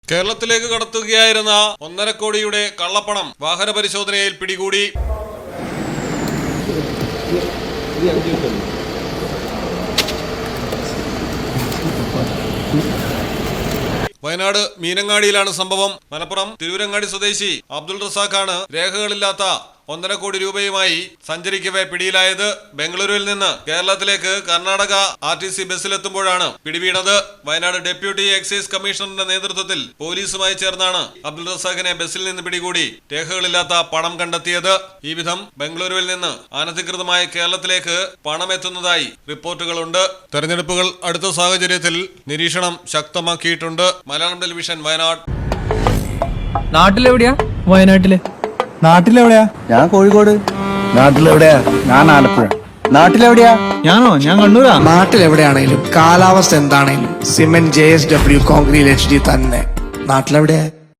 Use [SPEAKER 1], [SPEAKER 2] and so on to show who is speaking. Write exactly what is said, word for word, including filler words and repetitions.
[SPEAKER 1] കേരളത്തിലേക്ക് കടത്തുകയായിരുന്ന ഒന്നര കോടിയുടെ കള്ളപ്പണം വാഹന പരിശോധനയിൽ പിടികൂടി. വയനാട് മീനങ്ങാടിയിലാണ് സംഭവം. മലപ്പുറം തിരൂരങ്ങാടി സ്വദേശി അബ്ദുൾ റസാഖാണ് രേഖകളില്ലാത്ത ഒന്നര കോടി രൂപയുമായി സഞ്ചരിക്കവേ പിടിയിലായത്. ബംഗളൂരുവിൽ നിന്ന് കേരളത്തിലേക്ക് കർണാടക ആർ ടി സി ബസ്സിലെത്തുമ്പോഴാണ് പിടിവീണത്. വയനാട് ഡെപ്യൂട്ടി എക്സൈസ് കമ്മീഷണറുടെ നേതൃത്വത്തിൽ പോലീസുമായി ചേർന്നാണ് അബ്ദുൾ റസാഖിനെ ബസ്സിൽ നിന്ന് പിടികൂടി രേഖകളില്ലാത്ത പണം കണ്ടെത്തിയത്. ഈ വിധം ബംഗളൂരുവിൽ നിന്ന് അനധികൃതമായി കേരളത്തിലേക്ക് പണം എത്തുന്നതായി റിപ്പോർട്ടുകളുണ്ട്. തെരഞ്ഞെടുപ്പുകൾ അടുത്ത സാഹചര്യത്തിൽ നിരീക്ഷണം ശക്തമാക്കിയിട്ടുണ്ട്. മലയാളം ടെലിവിഷൻ, വയനാട്.
[SPEAKER 2] നാട്ടിലെവിടെയാ? വയനാട്ടില്.
[SPEAKER 3] നാട്ടിലെവിടെയാ?
[SPEAKER 4] ഞാൻ കോഴിക്കോട്.
[SPEAKER 3] നാട്ടിലെവിടെയാ? ഞാൻ ആലപ്പുഴ.
[SPEAKER 4] നാട്ടിലെവിടെയാ?
[SPEAKER 3] ഞാനോ? ഞാൻ കണ്ണൂരാ.
[SPEAKER 5] നാട്ടിലെവിടെയാണേലും കാലാവസ്ഥ എന്താണേലും cement J S W concrete H D തന്നെ. നാട്ടിലെവിടെയാ?